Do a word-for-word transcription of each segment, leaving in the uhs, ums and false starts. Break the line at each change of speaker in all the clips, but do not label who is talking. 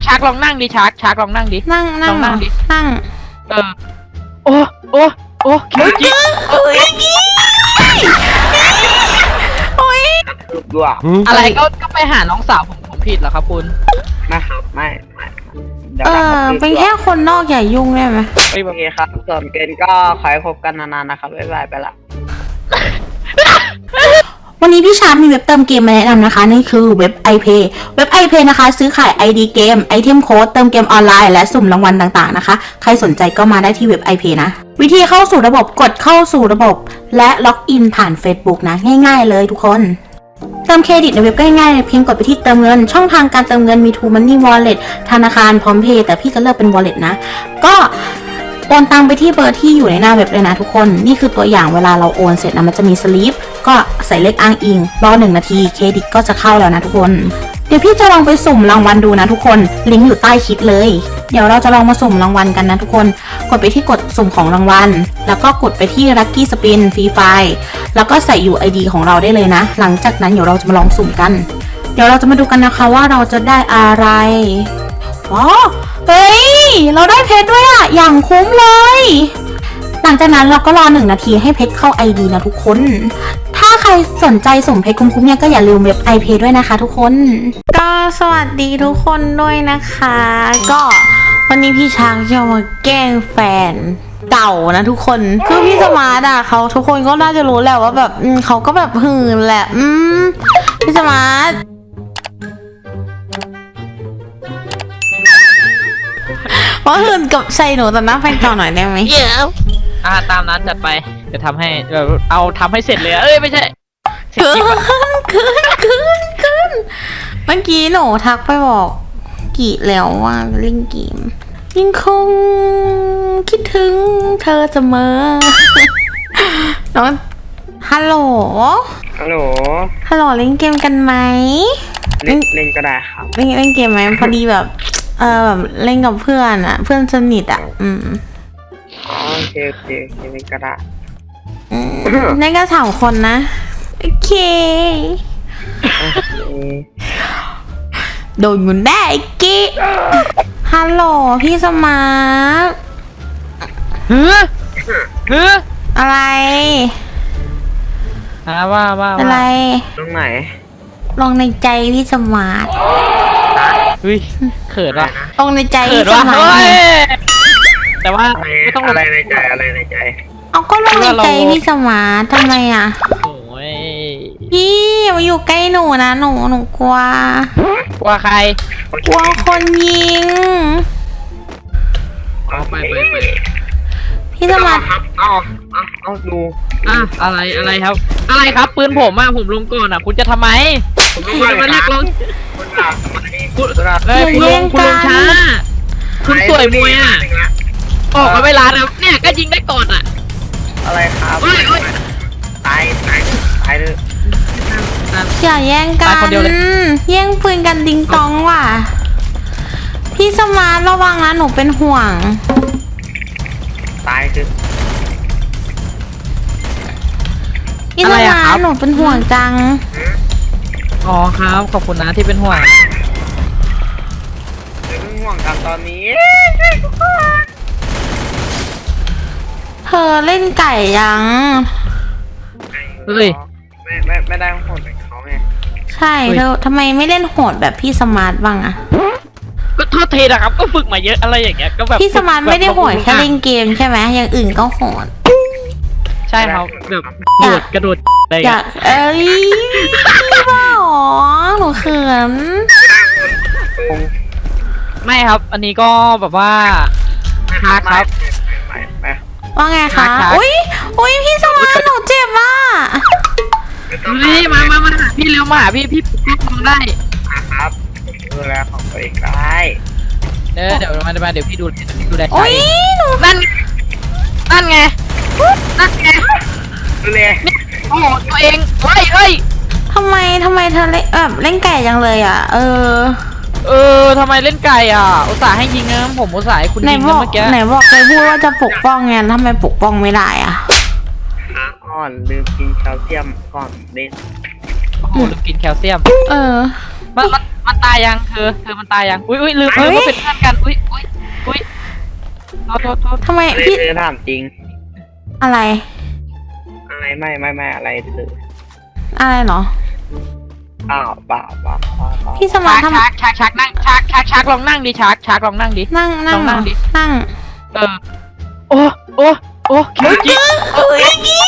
ชาร์กลองนั่งดิชาร์กชาร์กลองนั่งดิ
นั่งนั่ง
นั่งดิ
นั่ง
เออโอ้โอ้โอ้คิวจิ
โอ้ยโอ้ย
ด้วย
อะไรก็ก็ไปหาน้องสาวผมผมผิดเหรอครับคุณ
ไม่ครับไม่ไม่เดี๋ยว
เอ
นะค
อ
รับ
เป็นแค่คนนอกอย่ายุ่งได้ไหม
โอเคครับส่วนเกณฑ์ก็ขอให้พบกันนานๆนะครับบ๊ายบายไปละ
วันนี้พี่ชาร์ปมีเว็บเติมเกมมาแนะนำนะคะนั่นคือเว็บ iPay เว็บ iPay นะคะซื้อขาย ไอ ดี เกมไอเทมโค้ดเติมเกมออนไลน์และสุ่มรางวัลต่างๆนะคะใครสนใจก็มาได้ที่เว็บ iPay นะวิธีเข้าสู่ระบบกดเข้าสู่ระบบและล็อกอินผ่าน Facebook นะง่ายๆเลยทุกคนเติมเครดิตในเว็บก็ง่ายๆเพียงกดไปที่เติมเงินช่องทางการเติมเงินมี True Money Wallet ธนาคารพร้อมเพย์แต่พี่จะเลือกเป็น Wallet นะก็โอนตังไปที่เบอร์ที่อยู่ในหน้าเว็บเลยนะทุกคนนี่คือตัวอย่างเวลาเราโอนเสร็จนะมันจะมีสลิปก็ใส่เลขอ้างอิงรอหนึ่งนาทีเครดิตก็จะเข้าแล้วนะทุกคนเดี๋ยวพี่จะลองไปสุ่มรางวัลดูนะทุกคนลิงก์อยู่ใต้คลิปเลยเดี๋ยวเราจะลองมาสุ่มรางวัลกันนะทุกคนกดไปที่กดสุ่มของรางวัลแล้วก็กดไปที่ Lucky Spin Free Fire แล้วก็ใส่ ยู ไอ ดี ของเราได้เลยนะหลังจากนั้นเดี๋ยวเราจะมาลองสุ่มกันเดี๋ยวเราจะมาดูกันนะคะว่าเราจะได้อะไรอ๋อเฮ้ยเราได้เพชรด้วยอะอย่างคุ้มเลยหลังจากนั้นเราก็รอหนึ่งนาทีให้เพชรเข้า ไอ ดี นะทุกคนถ้าใครสนใจสุ่มเพชรคุ้มๆเนี่ยก็อย่าลืมเว็บ iPay ด้วยนะคะทุกคนก็สวัสดีทุกคนด้วยนะคะก็วันนี้พี่ช้างจะมาแกล้งแฟนเก่านะทุกคนคือพี่สมาร์ทอะเขาทุกคนก็น่าจะรู้แหละว่าแบบอืมเขาก็แบบหื่นแหละอืมพี่สมาร์ทว่าหื่นกับใส่หนูต่อหน้าแฟนเก่าหน่อยได้ไหม
เดี๋ยวอ่าตามนั้นจัดไปจะทำให้แบบเอาทำให้เสร็จเลยเอ้ยไม่ใช่
เกินเกินเกินเกินเมื่อกี้หนูทักไปบอกกี่แล้วว่าเล่นเกมยังคงคิดถึงเธอเสมอน้องฮัลโหล
ฮัลโหล
ฮัลโหลเล่นเกมกันไหม
เล่นเล่นก็ได้ครับ
เล่นเล่นเกมไหมพอดีแบบเออแบบเล่นกับเพื่อนอะเพื่อนสนิทอะอืม
อ๋อโอเคโอเคโอเคเล่นก็ได้
อืมเล่นกันสามคนนะโอเค
โอเค
โดนอยู่ได้กิ๊กฮัลโหลพี่สมาร์ท
เฮ้อเฮ้อ
อะไร
อ่าว่าว่า
อะไร
ตรงไหน
ลองในใจพี่สมาร์ท
เฮ้ยเขินว่ะ
ลองในใจ
เขิ
พี่
น
ส
ว่ะ
มา
เฮ้
ร์ท
ยแต่ว่าไม่ต้องล
อะ
ง
ไรในใจอะไรในใจ
เอาก็ลองในใจพี่สมาร์ททำไมอ่ะ
โอ้ย
พี่อย่ามาอยู่ใกล้หนูนะหนูหนูกลัว
กลัวใคร
กลัวคนยิง
เอาไปไปไป
พี่สมาร์ท
ครับเอาเอาเอาดู
อ่ะอะไรอะไรครับ อะไรครับปืนผมอ่ะผมลงก่อนอ่ะคุณจะทำไมคุณจะมาเรียกร้อง
คุณอาทำไม
คุณ
คุณอา
เอ้ยคุณลงคุณลงช้าคุณสวยมวยอ่ะออกมาเวลาแล้วเนี่ยก็ยิงได้ก่อนอ่ะ
อะไรครับ
เฮ้ยเฮ้ย
ตายตายตายเลย
อย่าแย่งกั
ตายคนเดียวเลย
แย่งปืนกันดิงตองว่ะพี่สมาร์ทระวังนะหนูเป็นห่วง
ตายคือ
พี่สมาร์ทหนูเป็นห่วงจัง
อ๋อครับขอบคุณนะที่เป็นห่วง
เรื่องห่วงกันตอนนี้
เธอเล่นไก่ยัง
เฮ้ย
ไม่ไม่ไม่ได้ห่วงแต่เขาไง
ใช่เธอทำไมไม่เล่นโหดแบบพี่สมาร์ทบ้างอะ
ก็โทษทีนะครับก็ฝึกมาเยอะอะไรอย่างเงี้ยก็แบบ
พี่สมาร์ทไม่ได้โหดแค่เล่นเกมใช่ไหมอย่างอื่นก็โหด
ใช่ครับแบบกระโดดกระโดดอะไร
อ
เงี้
ยาย กเอ้ยพี่บ้าหรอหนูเขิน
คง
ไม่ครับ อันนี้ก็แบบว่าฮาร์ดครับ
ไปไป
ว่าไงคะ
ครับ
อุ้ยอุ้ยพี่สมาร์ทหนูเจ็บอ่ะ
ดูดิมามามาหาพี่เร็วมาหาพี่พี่ปกป้องได้
ครับดูแลของตัวเองได้
เดี๋ยวเดี๋ยวมาเดี๋ยวมาเดี๋ยวพี่ดูดูแลใจ
อุ้ยหนู
นั่นนั่นไงนั่นไง
ดูแล
โอ้โหตัวเองเฮ้ยเฮ้ย
ทำไมทำไมเธอเล่นแบบเล่นไก่จังเลยอ่ะ เออ
เออทำไมเล่นไก่อ่ะอุตส่าห์ให้ยิงนะผมอุตส่าห์ให้คุณ
ไหน
ยิง
บ
นะ
อก
เมื่อกี้
ไหนบอกเคยพูดว่าจะปกป้องไงทำไมปกป้องไม่ได้อ่ะ
ขาอ่อนลืมกินแคลเซียมก่อนเล่น
โอ้โหลืมกินแคลเซียม
เออ
มันมันมันตายยังเธอเธอมันตายยังอุ้ยอุ้ยลืม
เฮ้
ลื
ย
มว่าเป็นเพื่อนกันอุ้ยอุ้ยอุ้ยโทษโทษโทษ
ทำไม
อะไร
พี่
เธอถามจริง
อะไร
อะไรไม่ไม่ไม่อะไรเธอ
อะไรเหรอ
อ้าวเปล่าเปล่าเปล่าเปล่า
พี่สมา
ชัก
ทำ
ชักชักชักนั่งชักชักชักลองนั่งดิชักชักลองนั่งดิ
นั่งนั่ง
ลองนั่งดิ
นั่ง
เออโอ้โอ้โอ้คิวจิ
โอ้ยพี่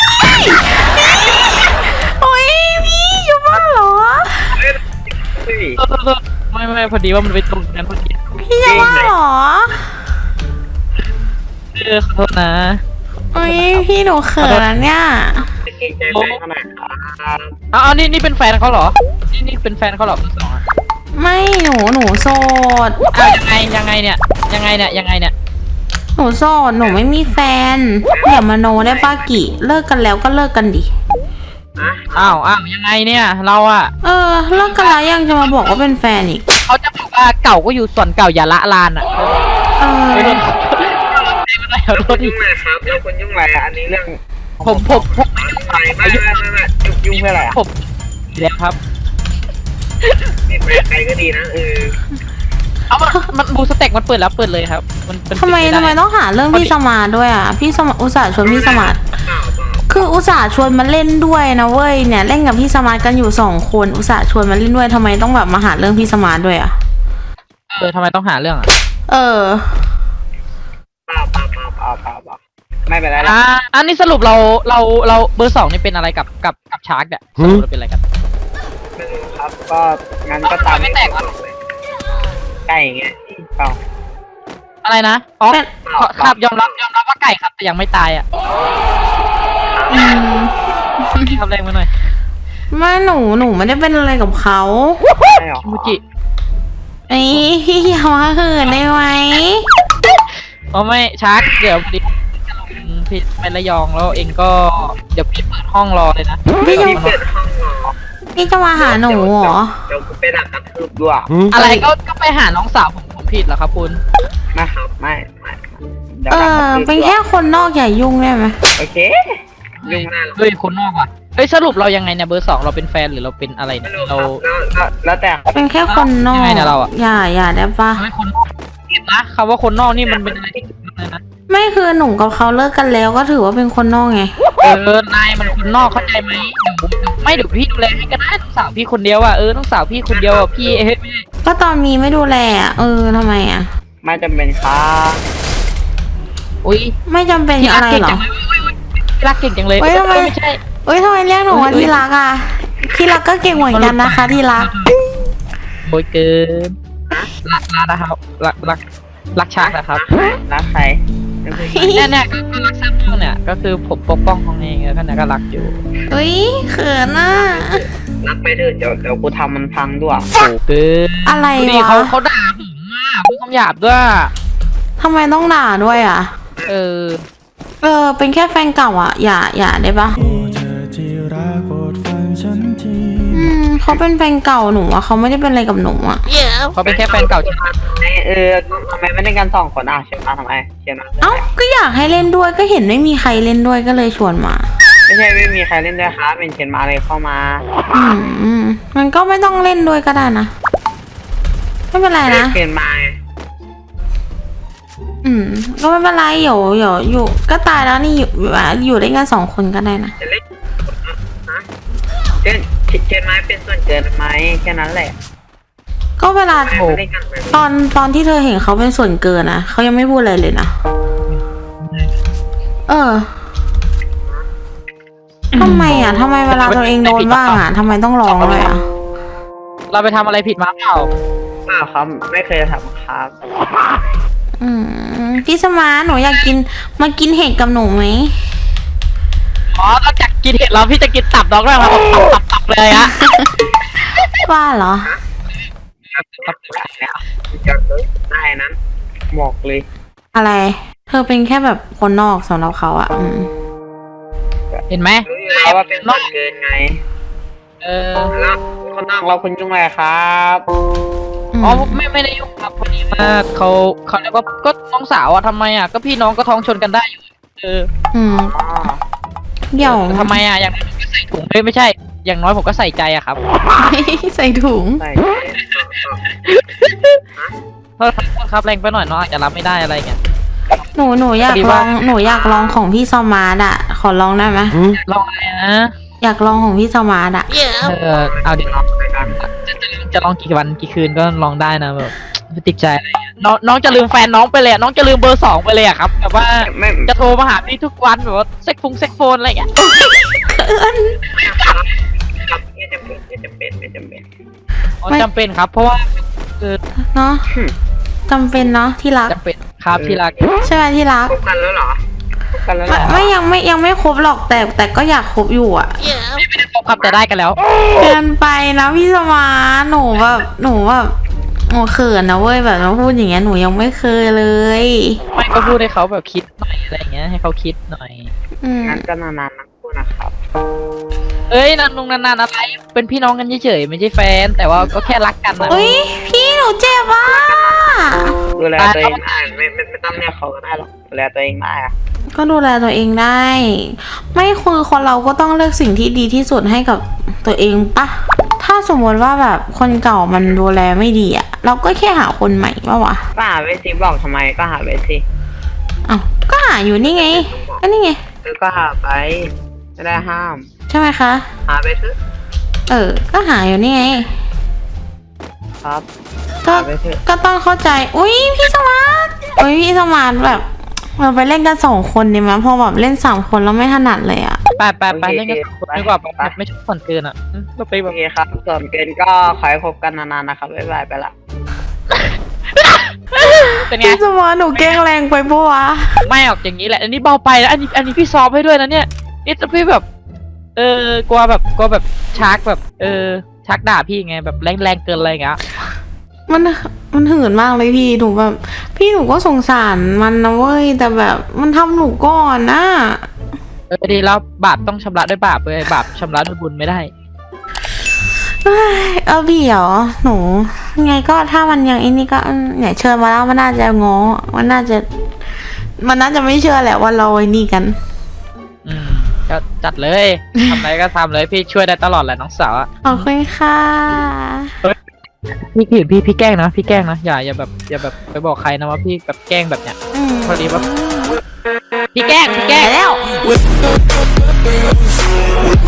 โอ้ยพี่อยู่บ้านเหรอ
เฮ้ย
โทษโทษโทษไม่ไม่พอดีว่ามันไปตรงกันพอดี
พี่จะบ้านเหรอ
เออขอโทษนะ
โอ้ยพี่หนูเขินนะเนี่ย
เก่งใจแม่ขนาดนั้น
เอาเอานี่นี่เป็นแฟนเขาเหรอนี่นี่เป็นแฟนเขาเหรอคนสองอ่ะ
ไม่หนูหนูโสด
เอายังไงยังไงเนี่ยยังไงเนี่ยยังไงเนี่ย
หนูโสดหนูไม่มีแฟนอย่ามาโนได้ป้ากิเลิกกันแล้วก็เลิกกันดิ
อ้าวอ้าวยังไงเนี่ยเราอ่ะ
เออเลิกกันแล้วยังจะมาบอกว่าเป็นแฟนอีก
เขาจะบอกว่าเก่าก็อยู่ส่วนเก่าอย่าละลานอ่ะ
เออ
ไม่ต้องไม่ได้ขอโทษที
ยุ่งอะไรครับแล้วคนยุ่งอะไรอันนี้เรื่อง
ผมผมผม
ไม่ไม่ไม่ไม่ไม่ยุ่งเพื่ออะไรอ่ะ
ผมเดี๋ยวครับ
นี่ไปใครก็ดีนะเออ
เอามันมันบูสเต็กมันเปิดแล้วเปิดเลยครับ มันเป็น
ทำไม
ปิด
ทำไม
ด้
ต้องหาเรื่องพี่สมาร์ทด้วยอ่ะพี่สมาร์ทอุตส่าห์ชวนพี่สมาร์ท
เปล่าเปล่า
คืออุตส่าห์ชวนมาเล่นด้วยนะเว้ยเนี่ยเล่นกับพี่สมาร์ทกันอยู่สองคนอุตส่าห์ชวนมาเล่นด้วยทำไมต้องแบบมาหาเรื่องพี่สมาร์ทด้วยอ่ะ
เออทำไมต้องหาเรื่องอ่ะ
เออ
เปล่าเปล่าเปล่าเปล่าเปล่าเปล่าไม่เป็นไรละ
อ่าอันนี้สรุปเราเราเราเบอร์สองนี่เป็นอะไรกับกับกับชาร์กเนี่ยสรุปเราเป็นอะไรกัน
ไม่รู้ครับก็งั้นก็ตาม
ไม่แตกวะ
ไก่เงี้ยเปล่า
อะไรนะอ๋อ
เป็น
ขอครับยอมรับยอมรับว่าไก่ครับแต่ยังไม่ตายอ่ะ
อืม
ทำแรงมาหน่อย
ไม่หนูหนูไม่ได้เป็นอะไรกับเขา
ใช่หรอ
คิมูจิ
ไอ้พี่อย่ามาเหินได้ไหม
อ๋อไม่ชาร์กเดี๋ยวพอดีจะลงพี่ไประยองแล้วเองก็เดี๋ยวพี่เปิดห้องรอเลยนะ
พี่จะ
ที่เปิดห้องเหรอ
พี่จะมาหาหนูเหรอ
เดี๋ยวกูไปดักกระทืบด้วย
อะไรก็ก็ไปหาน้องสาวผมผมผิดเหรอครับคุณ
นะครับไม่ไม่ดี๋ยว
เอ
ดักก
อ
ระทืบ
เป็นแค่คนนอกอย่ายุ่งได้ไหม
โอเคยุ่งหน้าหรอ
เฮ้ยคนนอกว่ะเฮ้ยสรุปเรายังไงเนี่ยเบอร์สองเราเป็นแฟนหรือเราเป็นอะไร
ไม่
เนี่ย
รู้ค
เรา
รับแล้วแล้วแต่
เป็นแค่คนนอก
ยังไงเนี่ยเราอะ
อย่าอย่าได้ปะ
ไม่คนนอกผิดนะคำว่าคนนอกนี่มันเป็นอะไรที่ผิดเลยนะ
ไม่คือหนูกับเขาเลิกกันแล้วก็ถือว่าเป็นคนนอกไง
เออนายมันคนนอกเข้าใจไหมเดี๋ยวผมไม่เดี๋ยวพี่ดูแลให้ก็ได้ต้องสาวพี่คนเดียวอ่ะเออต้องสาวพี่คนเดียวอ่ะพี่เฮ้ยไม่ใช่
ก็ตอนมีไม่ดูแลอะเออทำไมอ่ะ
ไม่จำเป็นครับ
อุ้ย
ไม่จำเป็น
ที่
อะ
รัก
ไร
เก่ง
หรอ
จังเลยที่รักเก่งจังเลย
เฮ้ยทำไม
ไม่ใช่
เอ้ยทำไมเรียกหนูว่าที่รักอ่ะที่รักก็เก่งเหมือนกันนะคะที่รัก
โอยเกินรักรักนะครับรักรักรักชาร์กนะครับ
รักใครก็คือ
เนี่ยเนี่ยก็คือรักซ้ำห้องเนี่ยก็คือผมปกป้องห้องเองแล้วก็เนี่ยก็รักอยู่
เอ้ยเขินอ่ะ
รักไปเถอะเดี๋ยวเดี๋ยวกูทำมันพังด้วย
โอ้เกิน
อะไร
ดูดิ
วะ
เขาเขาด่าผมอ่ะพูดคำหยาบด้วย
ทำไมต้องด่าด้วยอ่ะ
เออ
เออ เป็นแค่แฟนเก่าอ่ะ อย่าอย่าได้ปะ
โอ้เธอที่รักโปรดฟังฉันที
อืมเขาเป็นแฟนเก่าหนูอ่ะเขาไม่ได้เป็นอะไรกับหนูอ่ะ
เขาเป็นแค่แฟนเก่าใช่ไหม
เออทำไมไม่ได้กันสองคนอ่ะเชียร์มาทำไมเชียร์มา
เอ้าก็อยากให้เล่นด้วยก็เห็นไม่มีใครเล่นด้วยก็เลยชวนมา
ไม่ใช่ไม่มีใครเล่นด้วยครับเป็นเชียร์มาเลยเข้ามา
อืมอืมมันก็ไม่ต้องเล่นด้วยก็ได้นะไม่เป็นไรนะ
เชียร์มา
อืมก็ไม่เป็นไรเดี๋ยวเดี๋ยวอยู่ก็ตายแล้วนี่อยู่อยู่ได้กันสองคนก็ได้นะ
จะเล่นเชียร์เชียร์มาเป็นส่วนเกินไหมแค่นั้นแหละ
ก็เวลา
ไม่ได้กันเลย
ตอนตอนที่เธอเห็นเขาเป็นส่วนเกินนะเขายังไม่พูดอะไรเลยนะเออทำไมอ่ะทำไมเวลาตัวเองโดนบ้างอ่ะทำไมต้องร้องเลยอ่ะ
เราไปทำอะไรผิดมาเปล่า
เปล่าครับไม่เคยทำครับ
อืมพี่สมาร์ทหนูอยากกินมากินเห็ดกับหนูไหม
อ๋อนอกจากกินเห็ดแล้วพี่จะกินตับน้องด้วยครับตับตับตับเลยอะ
ว่าเหรอ
จะได้นั้นบอกเลย
อะไร เธอเป็นแค่แบบคนนอกสำหรับเขาอ่ะอืม
เห็นไหม
รู้อยู่แล้วว่าเป็นส่วนเกินไง
เออ
แล้วคนนอกเราคุณยุ่งอะไรครับ
อืม
อ๋อไม่ไม่ได้ยุ่งครับพอดีมากเขาเขาเรียกว่าก็น้องสาวอะทำไมอะก็พี่น้องก็ท้องชนกันได้อยู่เออ
อืม
อ๋อ
เดี๋ยว
ทำไมอะอย่างนั้นก็ใส่ถุงเลยไม่ใช่อย่างน้อยผมก็ใส่ใจอะครับ
ใส่ถุง
ใส่
เพราะครับแรงไปหน่อยเนาะอาจจะรับไม่ได้อะไรเงี้ย
หนูหนูอยาก
พอดี
ล
ว่า
องหนูอยากลองของพี่สมาร์ทอะขอลองได้ไหม
ลองอะไรนะ
อยากลองของพี่สมาร์ทอะ
เออเอาดิ
ลองไปกัน
จะจะจะลองกี่วันกี่คืนก็ลองได้นะแบบไม่ติดใจอะไรเงี้ยน้องน้องจะลืมแฟนน้องไปเลยอะน้องจะลืมเบอร์สองไปเลยอะครับแบบว่า
ไม่
จะโทรมาหาพี่ทุกวันแบบว่าเซ็กฟงเซ็กโฟนอะไรเงี้ย
ครับไม่จำเป็นไม่จำเป็นไม่จำเป็น
อ๋อจำเป็นครับ เพราะว่าคือ
เนาะจำเป็นเนาะที่รัก
จำเป็นครับที่รัก
ใช่ไหมที่รัก
คบกันแล้วเหรอคบกันแล้วเหร
ไม่
อ
ไม่ยังไม่ยังไม่ครบหรอกแต่แต่ก็อยากครบอยู่อะ
ไม่ได้พบครับแต่ได้กันแล้ว
เกินไปนะพี่สมาร์ทหนูแบบหนูแบบหนูเขินนะเว้ยแบบมาพูดอย่างเงี้ยหนูยังไม่เคยเลย
ไม่ก็พูดให้เขาแบบคิดหน่อยอะไรเงี้ยให้เขาคิดหน่อย
อืม
งั้นก็นานๆนักพูดนะครับ
เอ้ยนานนงนานๆอะไรเป็นพี่น้องกันเฉยๆไม่ใช่แฟน แต่ว่าก็แค่รักกันนะ
เฮ้ยพี่หนูเจ็บอ่ะ
ดูแลตัวเองได้ไม่ไม่ไม่ต้องเรียกเขาก็ได้หรอกดูแลตัวเองได้อะ
ก็ดูแลตัวเองได้ ไม่คือคนเราก็ต้องเลือกสิ่งที่ดีที่สุดให้กับตัวเองปะถ้าสมมติว่าแบบคนเก่ามันดูแลไม่ดีอะเราก็แค่หาคนใหม่ปะวะ
ก็หาไปสิบอกทำไมก็หาไปสิ
อ้าวก็หาอยู่นี่ไงก็นี่ไง
เออก็หาไปไม่ได้ห้าม
ใช่ไหมคะ
หาไปเถอะ
เออ ก็หาอยู่นี่ไง
ครับ
ก็
หาไปเถอะ
ก็ต้องเข้าใจ อุ้ยพี่สมาร์ทอุ้ยพี่สมาร์ทแบบเราไปเล่นกันสองคนดีไหมพอแบบเล่นสามคนแล้วไม่ถนัดเลยอะ
ไปไปไปเล่นกันสองคนดีกว่าแบบไม่ชอบผ่อนเกินอ่ะอืมเราไปแบ
โอบ เคครับส่วนเกินก็ขอให้คบกันนานๆนะครับบ๊ายบายไปละ
เป็นไง
พี่สมาร์ทหนูแกล้งแรงไปปะวะ
ไม่ออกอย่างนี้แหละ อันนี้เบาไปแล้วอันนี้อันนี้พี่ซ้อมให้ด้วยนะเนี่ยนี่จะพี่แบบ เออกลัวแบบกลัวแบบชาร์กแบบ เออชาร์กด่าพี่ไงแบบแรงแรงเกินอะไรอย่างเงี้ย
มันมันหื่นมากเลยพี่หนูแบบพี่หนูก็สงสารมันนะเว้ยแต่แบบมันทำหนูก่อนนะ
เออดีแล้วบาปต้องชำระด้วยบาปเลยบาปชำระด้วยบุญไม่ได้
เอ้ยเออพี่เหรอหนูไงก็ถ้ามันยังไอ้นี่ก็อืมเนี่ยเชิญมาแล้วมันน่าจะง้อมันน่าจะ มันน่าจะไม่เชื่อแหละว่าเราไอ้นี่กัน
อืมก็จัดเลยทำอะไรก็ทำเลยพี่ช่วยได้ตลอดแหละน้องสาวอะ
ขอบคุณค่ะ
พี่ผิดพี่พี่แกล้งนะพี่แกล้งนะอย่าอย่าแบบอย่าแบบไปบอกใครนะว่าพี่แบบแกล้งแบบเนี้ย
อืม
พอดีว่าพี่แกล้งพี่แกล้ง
ไปแล้ว